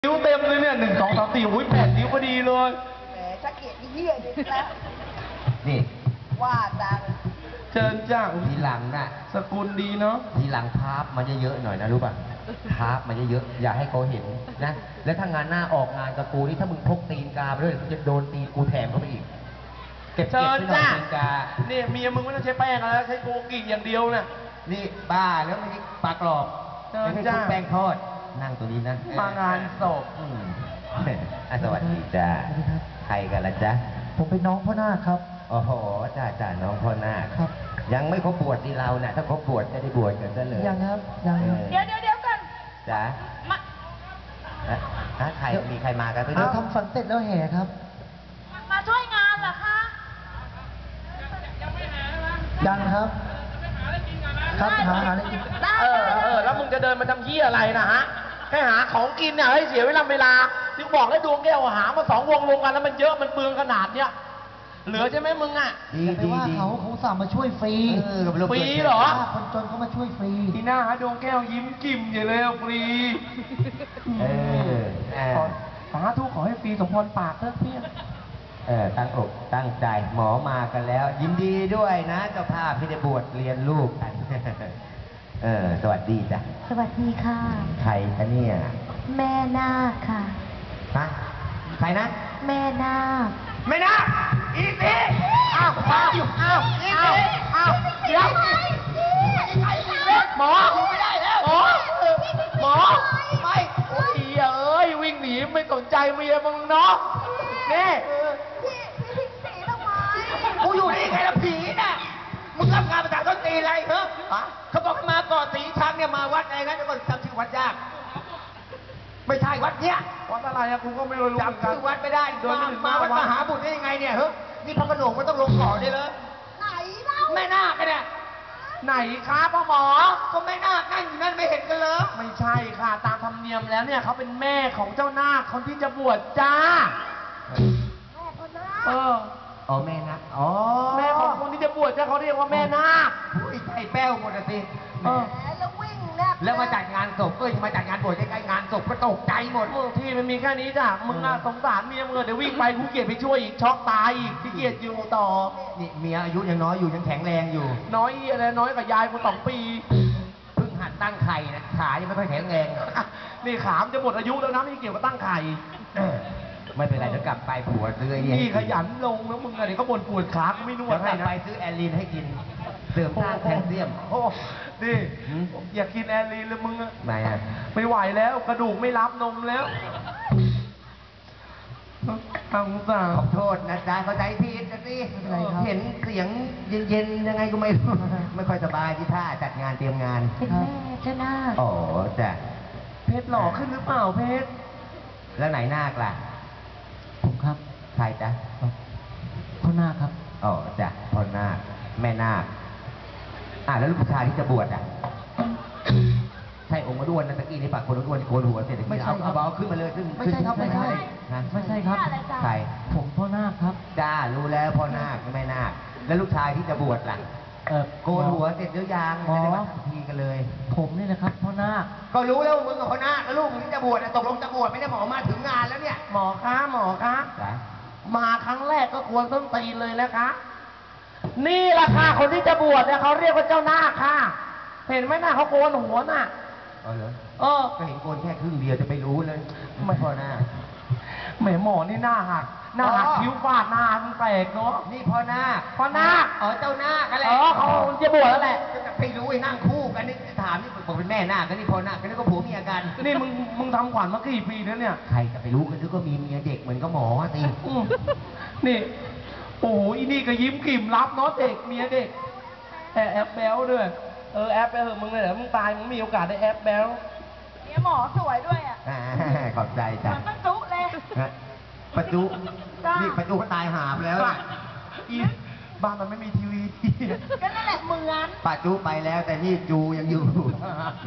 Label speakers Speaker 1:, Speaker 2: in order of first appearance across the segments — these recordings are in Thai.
Speaker 1: นิ้วเต็มเลยเนี่ย1 2 3 4อุ้ย8 นิ้วพอดีเลย
Speaker 2: แหมชักเกียจเหี้ยดิแล้ว
Speaker 3: นี่
Speaker 2: ว่าจัง
Speaker 1: เชิญจ้า
Speaker 3: ทีหลังน่ะ
Speaker 1: สกุลดีเนาะ
Speaker 3: ทีหลังภาพมันเยอะๆหน่อยนะรู้ป่ะภาพมันเยอะๆอย่าให้เขาเห็นนะแล้วถ้างานหน้าออกงานกับกูนี่ถ้ามึงพกตีนกาไปด้วยมึงจะโดนตีนกูแถมเข้าไปอีกเก็บ
Speaker 1: เชิญจ้า
Speaker 3: ตีนกา
Speaker 1: เนี่ยเมียมึงไม่ต้องใช้แป้งแล้วใช้โกกิอย่างเดียวน่ะ
Speaker 3: นี่บ้าแล้วไม่ใช่ปลากรอบไม่ใช่แป้งทอดนั่งตัวนี้นะ
Speaker 1: มางานศพ
Speaker 3: สวัสดีจ้าใครกันล่ะจ๊ะ
Speaker 4: ผมเป็นน้องพ่อนาคครับ
Speaker 3: โอ้โหจ้าน้องพ่อนาคครับยังไม่ครบบวชที่เราเนี่ยถ้าครบบวชจะได้บวชกันซะเลย
Speaker 4: ยังครับยัง
Speaker 2: เดี๋ยวกัน
Speaker 3: จ้าใครมีใครมากัน
Speaker 4: เราทำฝันเสร็จแล้วแห่ครับ
Speaker 2: มาช่วยงานเหรอคะ
Speaker 4: ยังครับครับหาอะไรกิน
Speaker 1: แล้วมึงจะเดินมาทำเหี้ยอะไรนะฮะแค่หาของกินเนี่ยให้เสียเวลาที่บอกแล้วดวงแก้วหามา2 วงรวมกันแล้วมันเยอะมันเปลืองขนาดเนี้ยเหลือใช่ไหมมึงอ่ะ
Speaker 4: อย่าไปว่าเขาสั่งมาช่วยฟรี
Speaker 1: ฟรีเหรอ
Speaker 4: คนจนเขามาช่วยฟรี
Speaker 1: ที่หน้าฮะดวงแก้วยิ้มกิ่มอยู่เลยฟรีสาธุขอให้ฟรีสมพรปากเถอะเพี้ย
Speaker 3: ตั้งอกตั้งใจหมอมากันแล้วยินดีด้วยนะเจ้าภาพที่ได้บวชเรียนลูกกันสวัสดีจ้ะ
Speaker 5: สวัสดีค่ะ
Speaker 3: ใครคะเนี่ย
Speaker 5: แม่นาคค่ะ
Speaker 3: ฮะใครนะ
Speaker 5: แม่นาค
Speaker 1: แม่นาคอีสิอ้าวอีสิเดี๋ยวหมอไม่ได้แล้วหมอไม่โอ้ยเอ้ยวิ่งหนีไม่สนใจเมียมึงเนาะนี่
Speaker 2: พี่ทิ้งสีทำไม
Speaker 1: กูอยู่นี่ไงล่ะผีน่ะมึงรับงานภาษาต้นตีอะไรเหรอเขาบอกมาก่อสีช้างเนี่ยมาวัดอะไรนะเดี๋ยวก่อนจำชื่อวัดยากไม่ใช่วัดเนี้ยวัดอะไรอะกูก็ไม่รู้จำชื่อวัดไม่ได้เดินมาวัดมหาบุตรได้ยังไงเนี่ยเฮ้ยนี่พระกระโหลกมันต้องลงก่อได้เลย
Speaker 2: ไหนเล่า
Speaker 1: แม่นาคเนี่ยไหนครับพ่อหมอก็แม่นาคนั่งอยู่นั่นไม่เห็นกันเลยไม่ใช่ค่ะตามธรรมเนียมแล้วเนี่ยเขาเป็นแม่ของเจ้านาคคนที่จะบวชจ้า
Speaker 2: แม่คนนา
Speaker 3: คแม่นาค
Speaker 1: แม่ของคนที่จะบวชจ้าเขาเรียกว่าแม่นาค
Speaker 3: ไอ้แป้วหมดสิ
Speaker 2: แล้ววิ่ง
Speaker 3: แล้วมาจัดงานศพมาจัดงานบวชใกล้ๆงานศพก็ตกใจหมด
Speaker 1: ที่มันมีแค่นี้จ้ะมึงน่ะสงสารเมียมึงเดี๋ยววิ่งไปกูเกลียดไปช่วยอีกช็อกตายอีกที่เกียดอยู่ต่อ
Speaker 3: นี่เมียอายุยังน้อยอยู่ยังแข็งแรงอยู่
Speaker 1: น้อยอะไรน้อยกับยายกู2 ปี
Speaker 3: เพิ่งหัดตั้งไข่นะขายังไม่ค่อยแข็งแรง
Speaker 1: นี่ขามจะหมดอายุแล้วนะไม่เกี่ยวกับตั้งไข่
Speaker 3: ไม่เป็นไรเดี๋ยวกลับไปผัวซื้อ
Speaker 1: นี่ขยันลงแล้วมึงอะไรก็บ่นปวดขาก็ไม่นวดให้
Speaker 3: นะไปซื้อแอลลีนให้กินเสริมธาตุแคลเซียม
Speaker 1: โอ้ดิอยากกินแอลลีนเลยมึงอะ
Speaker 3: ไม่
Speaker 1: ไหวแล้วกระดูกไม่รับนมแล้วทางสาว
Speaker 3: ขอโทษนะจ๊ะเข้าใจผิดนะสิเห็นเสียงเย็นๆยังไงก็ไม่รู้ไม่ค่อยสบายที่ท่าจัดงานเตรียมงาน
Speaker 5: เป็นแม่เจ้านาค
Speaker 3: จ้ะ
Speaker 1: เพชรหล่อขึ้นหรือเปล่าเพชร
Speaker 3: แล้วไหนนาคล่ะ
Speaker 4: ผมครับ
Speaker 3: ใครจ๊ะ
Speaker 4: พ่อนาคครับ
Speaker 3: จ้ะพ่อนาคแม่นาคแล้วลูกผู้ชายที่จะบวชใช่องค์ด้วนนั่นตะกี้นี่ปากคนด้วนโกนหัวเสร็จ
Speaker 4: ไม่ใช่ครับ
Speaker 3: ขึ้นมาเลยขึ้น
Speaker 4: ไม่ใช่ครับไม่ใช่ไม่ใช่ครับ
Speaker 3: ใคร
Speaker 4: ผมพ่อนาคครับ
Speaker 3: จ้ารู้แล้วพ่อนาคแม่นาคแล้วลูกชายที่จะบวชล่ะโกนหัวเสร็จหรือยังไม่ได้มาทำทีกันเลย
Speaker 4: ผมนี่แหละครับพ่อนาค
Speaker 3: ก็รู้แล้วมึงกับพ่อนาคแล้วลูกมึงที่จะบวชตกลงจะบวชไม่ได้หมอมาถึงงานแล้วเนี่ย
Speaker 1: หมอคะมาครั้งแรกก็ควรต้นตีนเลยแล้วคะนี่แหละค่ะคนที่จะบวชเนี่ยเขาเรียกว่าเจ้านาคค่ะเห็นไหมหน้าเขาโกนหัวน่ะ
Speaker 3: เหรอก็เห็นโกนแค่ครึ่งเดียวจะไปรู้เลยไม่พอหน้า
Speaker 1: แหมหมอนี่หน้าหักคิ้วฟาดหน้ามันแตกเนาะ
Speaker 3: นี่พ่อนาคเจ้านาคอะไร
Speaker 1: เขาจะบวชแล้วแหละ
Speaker 3: จะไปรู้ไอ้นั่งคู่กันนี่ถามนี่บอกเป็นแม่นาคกันนี่พ่อนาคกันนี่ก็ผัวเมียกัน
Speaker 1: นี่มึงทำขวัญมากี่ปีแล้วเนี่ย
Speaker 3: ใครจะไปรู้กันก็มีเมียเด็กเหมือนก็หมอตี
Speaker 1: นี่โอ้โหอีนี่ก็ยิ้มกลิ่มรับเนาะเด็กเมียเด็กแอบแบลด้วยแอบไปเหอะมึงเลยเหรอมึงตายมึงมีโอกาสได้แอบแบล
Speaker 2: เนี่ยหมอสวยด้วยอ่ะ
Speaker 3: ขอบใจจ้ะ
Speaker 2: มันจุเลย
Speaker 3: ประจุนี่ประจุก็ตายหาไปแล้ว
Speaker 1: อีบ้านมันไม่มีทีวี
Speaker 2: ก็นั่นแหละเหมือน
Speaker 3: ประจุไปแล้วแต่นี่จูยังอยู่แหม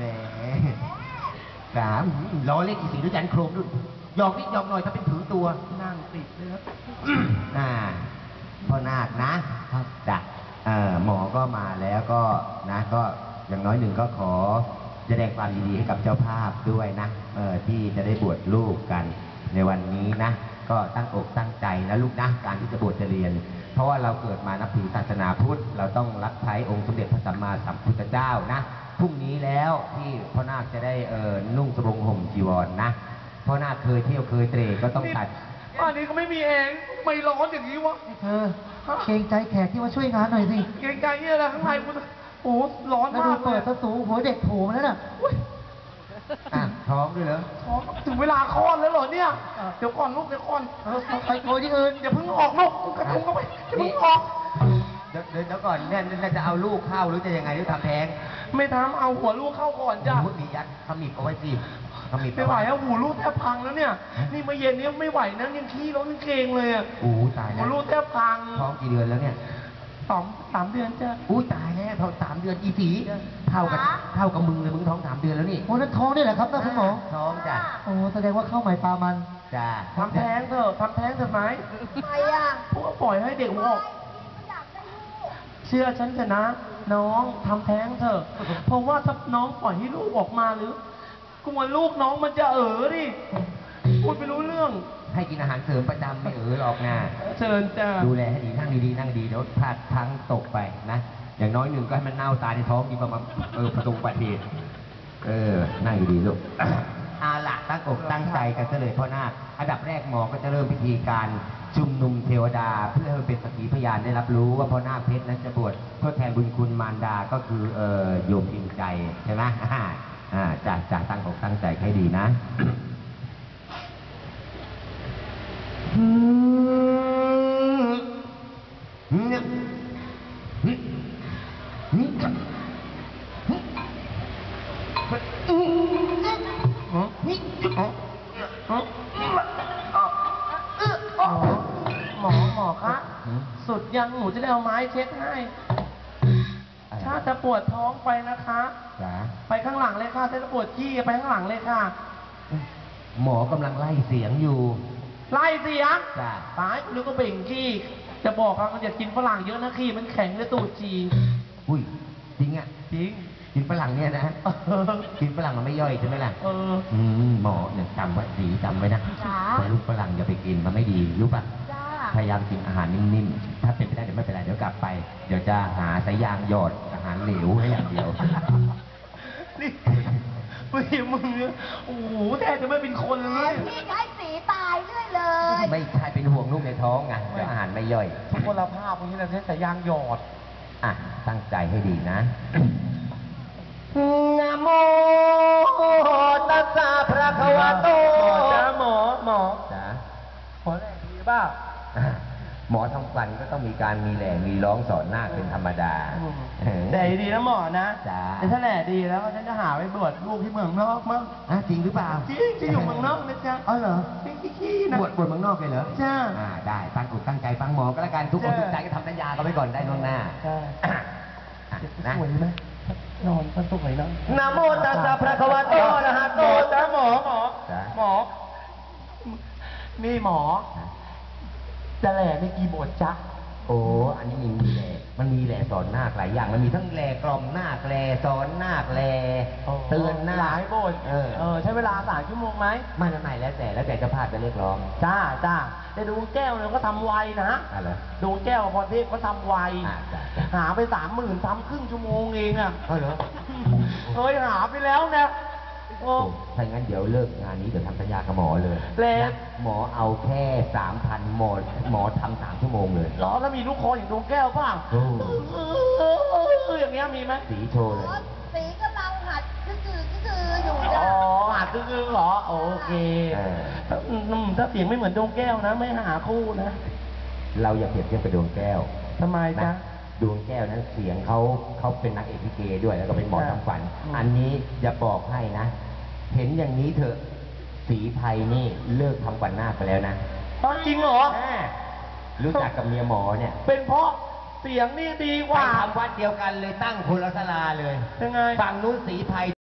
Speaker 3: ล้อเล่นอีสีด้วยกันโครมด้วยยอกนิดยอกหน่อยถ้าเป็นถือตัว
Speaker 1: นั่งติดเลยครับ
Speaker 3: พ่อนาคนะครับจ้ะหมอก็มาแล้วก็นะก็อย่างน้อยหนึ่งก็ขอแสดงความยินดีให้กับเจ้าภาพด้วยนะที่จะได้บวชลูกกันในวันนี้นะ ก็ตั้งอกตั้งใจนะลูกนะการที่จะบวชจะเรียน เพราะว่าเราเกิดมานับถือศาสนาพุทธเราต้องรับใช้องค์สมเด็จพระสัมมาสัมพุทธเจ้านะพรุ่งนี้แล้วที่พ่อนาคจะได้นุ่งสบงห่มจีวรนะพ่อนาคเคยเที่ยวเคยเตร่ก็ต้องตัด
Speaker 1: บ้านนี้ก็ไม่มีแอร์ไม่ร้อนอย่างนี้วะ
Speaker 4: เธอเกรงใจแขกที่มาช่วยงานหน่อยสิ
Speaker 1: เกรงใจเนี่ยอะไรข้างในกูโอ้โหร้อน
Speaker 4: แล้ว
Speaker 1: มา
Speaker 4: ดู
Speaker 1: กเล
Speaker 4: เปิ
Speaker 1: ย
Speaker 4: ดประตูหัวเด็กโผล่มาแล้วน่ะ
Speaker 3: ท้องด้วยเหรอ
Speaker 1: อ๋อถึงเวลาคลอดแล้วเหรอเนี่ย เดี๋ยวก่อนลูกเดี๋ยวก่อน
Speaker 4: ไปโกยที่อื่น
Speaker 1: อย่าเพิ่งออกลูกกระทุ้งเข้าไปอย่าเพิ่งออก
Speaker 3: เดี๋ยวก่อนเนี่ยจะเอาลูกเข้าหรือจะยังไงหรือทำแท้ง
Speaker 1: ไม่ทำเอาหัวลูกเข้าก่อนจ้ะ
Speaker 3: พูดมียัดขมิบเอาไว้สิขมิบ
Speaker 1: ไม่ไหวแล้วหูลูกแทบพังแล้วเนี่ย นี่เมื่อเย็นนี้ไม่ไหวนะยังขี้ร้อนยังเกรงเลยอ่ะ
Speaker 3: อู้ตาย
Speaker 1: หู
Speaker 3: แล้ว
Speaker 1: ลูกแทบพัง
Speaker 3: ท้องกี่เดือนแล้วเนี่ย
Speaker 1: สามเดือนจ้ะ
Speaker 3: อู้ตายแล้วท้อง3 เดือนอีสีเท่ากับมึงเลยมึงท้อง3 เดือนแล้วนี่
Speaker 4: โอ้นั่นท้องนี่แหละครับนะคุณหมอ
Speaker 3: ท้องจ้ะ
Speaker 4: โอ้แสดงว่าเข้าใหม่ปลามัน
Speaker 3: จ้ะ
Speaker 1: ทำแท้งเถอะทำแท้งเถอะไหม
Speaker 2: ทำไมอ่ะ
Speaker 1: พวกปล่อยให้เด็กหัวออก
Speaker 2: ไม่อยากได้ลูก
Speaker 1: เชื่อฉันเถอะนะ น้องทำแท้งเถอะ เพราะว่าถ้าน้องปล่อยให้ลูกออกมาหรือกลัวลูกน้องมันจะดิพูดไม่รู้เรื่อง
Speaker 3: ให้กินอาหารเสริมประจำไม่หรอกนะ
Speaker 1: เชิญจ้า
Speaker 3: ดูแลให้ดีนั่งดีๆนั่งดีเดี๋ยวพลาดพลั้งตกไปนะอย่างน้อยหนึ่งก็ให้มันเน่าตายในท้องดีกว่ามาประสบอุบัติเหตุนั่งดีๆลูก อาละตั้งอกตั้งใจกันซะเลยพ่อนาคอันดับแรกหมอก็จะเริ่มพิธีการชุมนุมเทวดา เพื่อให้เป็นสักขีพยานได้รับรู้ว่าพ่อนาคเพชรนั้นจะบวชทดแทนบุญคุณมารดาก็คือโยมพิมใจใช่ไหมจะตั้งอกตั้งใจให้ดีนะ
Speaker 1: หมอคะสุดยังหนูจะได้เอาไม้เช็ดให้ ถ้าจะปวดท้องไปนะคะ
Speaker 3: จ๋า
Speaker 1: ไปข้างหลังเลยค่ะถ้าจะปวดขี้ไปข้างหลังเลยค่ะ
Speaker 3: หมอกำลังไล่เสียงอยู่
Speaker 1: ไล่เสียง
Speaker 3: จ้า
Speaker 1: ตายนึกก็เบ่งขี้จะบอกว่ามันอย่ากินฝรั่งเยอะนะขี้มันแข็งเลยตูดจี
Speaker 3: อุ้ยจริงอ่ะ
Speaker 1: จริง
Speaker 3: กินฝรั่งเนี่ยนะ กินฝรั่งมันไม่ย่อยใช่ไหมล่ะ หมอเนี่ยจำไว้ดีจำไว้นะ
Speaker 2: จ๋า
Speaker 3: ว่าลูกฝรั่งอย่าไปกินมันไม่ดีรู้ป่ะ
Speaker 2: จ้า
Speaker 3: พยายามกินอาหารนิ่มๆ ถ้าเป็นไปได้เดี๋ยวไม่เป็นไรเดี๋ยวกลับไป เดี๋ยวจะหาสายยางหยอดอาหารเหลวให้อย่างเดียว
Speaker 1: นี่มึงเนี่ยโอ้โหแทบจะไม่เป็นคนเล
Speaker 2: แล้
Speaker 1: ยว
Speaker 2: พี่ใช้สีตายเรื่อยเลย
Speaker 3: ไม่ใช่เป็นห่วงลูกในท้องไงเดี๋ยวอาหารไม่ย่อย
Speaker 1: ทุกคนละภาพพวกนี้เราใช้สายยางหยอด
Speaker 3: อ่ะตั้งใจให้ดีนะ นะโมตัสสะภะคะวะโต
Speaker 1: หมอ
Speaker 3: จ้า
Speaker 1: ขอแรงดีบ้า
Speaker 3: หมอทำฟันก็ต้องมีการมีแหล่มีร้องสอนหน้าคเป็นธรรมดา
Speaker 1: แต่ดีนะหมอนะ
Speaker 3: จ้า
Speaker 1: แต่ถ้าแหล่ดีแล้วฉันจะหาไปบวชลูกที่เมืองนอกมั้ง
Speaker 3: จริงหรือเปล่า
Speaker 1: จริงจะอยู่เมืองนอกนะจ๊ะ
Speaker 3: อ๋อเหรอ
Speaker 1: ขี้นะ
Speaker 3: บวชเมืองนอกเลยเหรอ
Speaker 1: จ้า
Speaker 3: ได้ตั้งอกตั้งใจฟังหมอก็แล้วกันทุกคน
Speaker 1: จ้ะ
Speaker 3: ทุกใจก็ทำสัญญากันไว้ก่อนได้ล่วงหน้า
Speaker 1: ใช่
Speaker 3: นะ
Speaker 1: สวยไหมนอนมันสวยเนาะ
Speaker 3: นะโมตัสสะภะคะวะโตอะระหะโต
Speaker 1: จ้าหมอ
Speaker 3: จ้ะ
Speaker 1: หมอ นี่หมอ จะแหล่ไม่กี่บทจ๊ะ
Speaker 3: โอ้อันนี้มีแหล่มันมีแหล่สอนนาคหลายอย่าง มันมีทั้งแหล่กล่อมนาคแหล่สอนนาคแหล่เตือนนาค
Speaker 1: หลายบทใช้เวลา3 ชั่วโมงไหม
Speaker 3: ไม่แล้วแต่เจะพาพจะเรียกร้อง
Speaker 1: จ้าแต่ดวงแก้วเนี่ยก็ทำไวนะ
Speaker 3: อะไร
Speaker 1: ดวงแก้วกับพรเทพก็ทำไว
Speaker 3: จ้ะ
Speaker 1: หาไป30,000ทำครึ่งชั่วโมงเองอ่ะ
Speaker 3: เหรอ
Speaker 1: เฮ้ยหาไปแล้วนะโอ้
Speaker 3: ถ้างั้นเดี๋ยวเลิกงานนี้เดี๋ยวทำสัญญากับหมอเลย
Speaker 1: แล้ว
Speaker 3: นะหมอเอาแค่ 3,000หมอทำ3 ชั่วโมงเลย
Speaker 1: ล้อแล้วมีลูกคออย่างดวงแก้วป่ะ
Speaker 3: โอ้
Speaker 1: อย่างเงี้ยมีไหม
Speaker 3: สีโชว์เลย
Speaker 2: สีกำลังหัดคืออยู่
Speaker 1: อ๋
Speaker 2: จ้ะ
Speaker 1: อหัดคือเหรอโอเคถ้าเสียงไม่เหมือนดวงแก้วนะ ไม่หาคู่นะ
Speaker 3: เราอย่าเปรียบเทียบกับดวงแก้ว
Speaker 1: ทำไมจ๊ะ
Speaker 3: นะดวงแก้วนั้นเสียงเขาเป็นนักเอกลิเกด้วยแล้วก็เป็นหมอทำฝัน
Speaker 1: อืม
Speaker 3: อันนี้จะบอกให้นะ เห็นอย่างนี้เถอะสีไพนี่เลิกทำฝันหน้าคไปแล้วนะ
Speaker 1: จริงเหรอ
Speaker 3: รู้จักกับเมียหมอเนี่ย
Speaker 1: เป็นเพราะเสียงนี่ดีก
Speaker 3: ไป
Speaker 1: ว่า
Speaker 3: ทำวัดเดียวกันเลยตั้งคนละศาลาเลย
Speaker 1: ยังไง
Speaker 3: ฝั่งนู้นสีไพ